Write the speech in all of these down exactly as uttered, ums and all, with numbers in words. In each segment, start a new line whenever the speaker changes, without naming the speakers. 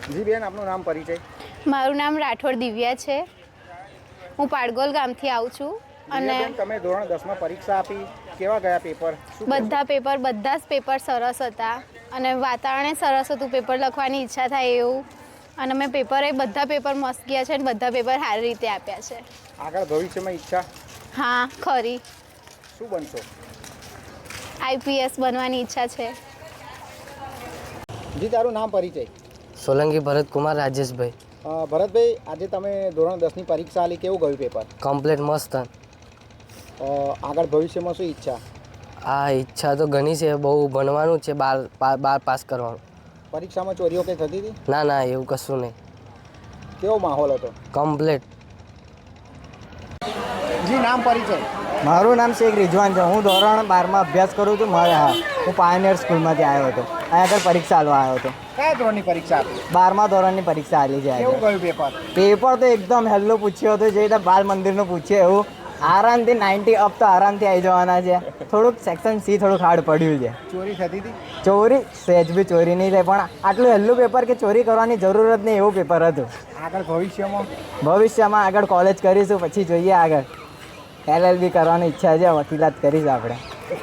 જી બેન, આપનું નામ પરિચય?
મારું નામ રાઠોડ દિવ્યા છે. હું પાડગોલ ગામથી આવું છું.
અને તમે ધોરણ દસ માં પરીક્ષા આપી, કેવા ગયા પેપર?
બધા પેપર બધા જ પેપર સરસ હતા અને વાતાવરણ સરસ હતું. પેપર લખવાની ઈચ્છા થાય એવું, અને મેં પેપર એ બધા પેપર મસ્ત ગયા છે અને બધા પેપર સારી રીતે આપ્યા છે.
આગળ ભવિષ્યમાં ઈચ્છા?
હા ખરી.
શું બનશો?
આઈપીએસ બનવાની ઈચ્છા છે.
જી, તારું નામ પરિચય?
સોલંકી ભરતકુમાર રાજેશભાઈ.
ભરતભાઈ, આજે તમે ધોરણ દસ ની પરીક્ષા આલી, કેવું ગયું પેપર?
કમ્પ્લીટ મસ્ત.
આગળ ભવિષ્યમાં શું ઈચ્છા?
આ ઈચ્છા તો ઘણી છે, બહુ ભણવાનું છે, બાર બાર પાસ કરવાનું.
પરીક્ષામાં ચોરીઓ કંઈ થતી હતી?
ના ના, એવું કશું નહીં.
કેવો માહોલ હતો?
કમ્પ્લીટ.
જી, નામ પરિચય?
મારું નામ શેખ રિઝવાન છે. હું ધોરણ બારમાં અભ્યાસ કરું છું. મારે હા હું પાયોનિયર સ્કૂલમાંથી આવ્યો હતો. અહીંયા આગળ પરીક્ષા આપવા આવ્યો હતો.
કયા ધોરણની પરીક્ષા આપી?
બારમા ધોરણની પરીક્ષા આપી છે.
કેવું ગયું પેપર?
પેપર તો એકદમ હેલ્લો પૂછ્યો હતો, જે રીતે બાલ મંદિરનું પૂછ્યું એવું. આરામથી નાઇન્ટી અપ તો આરામથી આવી જવાના છે. થોડુંક સેક્શન સી થોડુંક હાર્ડ પડ્યું છે.
ચોરી થતી હતી?
ચોરી સહેજ બી ચોરી નહીં થાય, પણ આટલું હેલ્લું પેપર કે ચોરી કરવાની જરૂર જ નહીં એવું પેપર હતું.
આગળ ભવિષ્યમાં?
ભવિષ્યમાં આગળ કોલેજ કરીશું, પછી જોઈએ આગળ. એલએલબી કરવાની ઈચ્છા છે, વકીલાત કરીશું આપણે.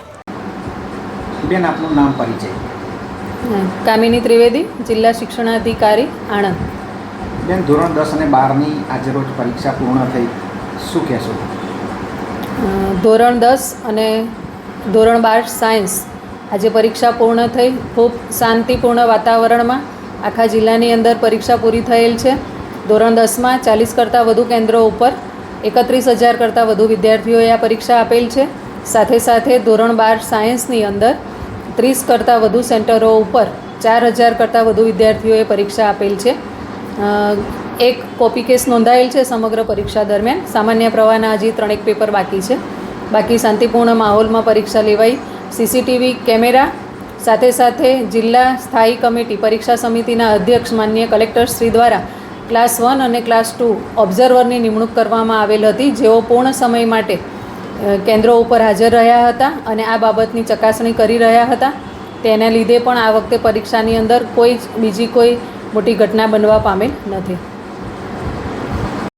બેન, આપનું નામ પરિચય?
કામિની ત્રિવેદી, જિલ્લા શિક્ષણાધિકારી, આણંદ.
બેન, ધોરણ દસ અને બારની આજે રોજ પરીક્ષા પૂર્ણ થઈ, શું કહેશો?
ધોરણ દસ અને ધોરણ બાર સાયન્સ આજે પરીક્ષા પૂર્ણ થઈ. ખૂબ શાંતિપૂર્ણ વાતાવરણમાં આખા જિલ્લાની અંદર પરીક્ષા પૂરી થયેલ છે. ધોરણ દસમાં ચાલીસ કરતાં વધુ કેન્દ્રો ઉપર એકત્રીસ હજાર કરતાં વધુ વિદ્યાર્થીઓએ આ પરીક્ષા આપેલ છે. સાથે સાથે ધોરણ બાર સાયન્સની અંદર ત્રીસ કરતાં વધુ સેન્ટરો ઉપર ચાર હજાર કરતાં વધુ વિદ્યાર્થીઓએ પરીક્ષા આપેલ છે. એક કોપી કેસ નોંધાયેલ છે સમગ્ર પરીક્ષા દરમિયાન. સામાન્ય પ્રવાહના હજી ત્રણેક પેપર બાકી છે. બાકી શાંતિપૂર્ણ માહોલમાં પરીક્ષા લેવાઈ. સીસીટીવી કેમેરા સાથે સાથે જિલ્લા સ્થાયી કમિટી પરીક્ષા સમિતિના અધ્યક્ષ માન્ય કલેક્ટર શ્રી દ્વારા ક્લાસ વન અને ક્લાસ ટુ ઓબ્ઝર્વરની નિમણૂક કરવામાં આવેલ હતી, જેઓ પૂર્ણ સમય માટે કેન્દ્રો ઉપર હાજર રહ્યા હતા અને આ બાબતની ચકાસણી કરી રહ્યા હતા. તેના લીધે પણ આ વખતે પરીક્ષાની અંદર કોઈ જ બીજી કોઈ મોટી ઘટના બનવા પામેલ નથી.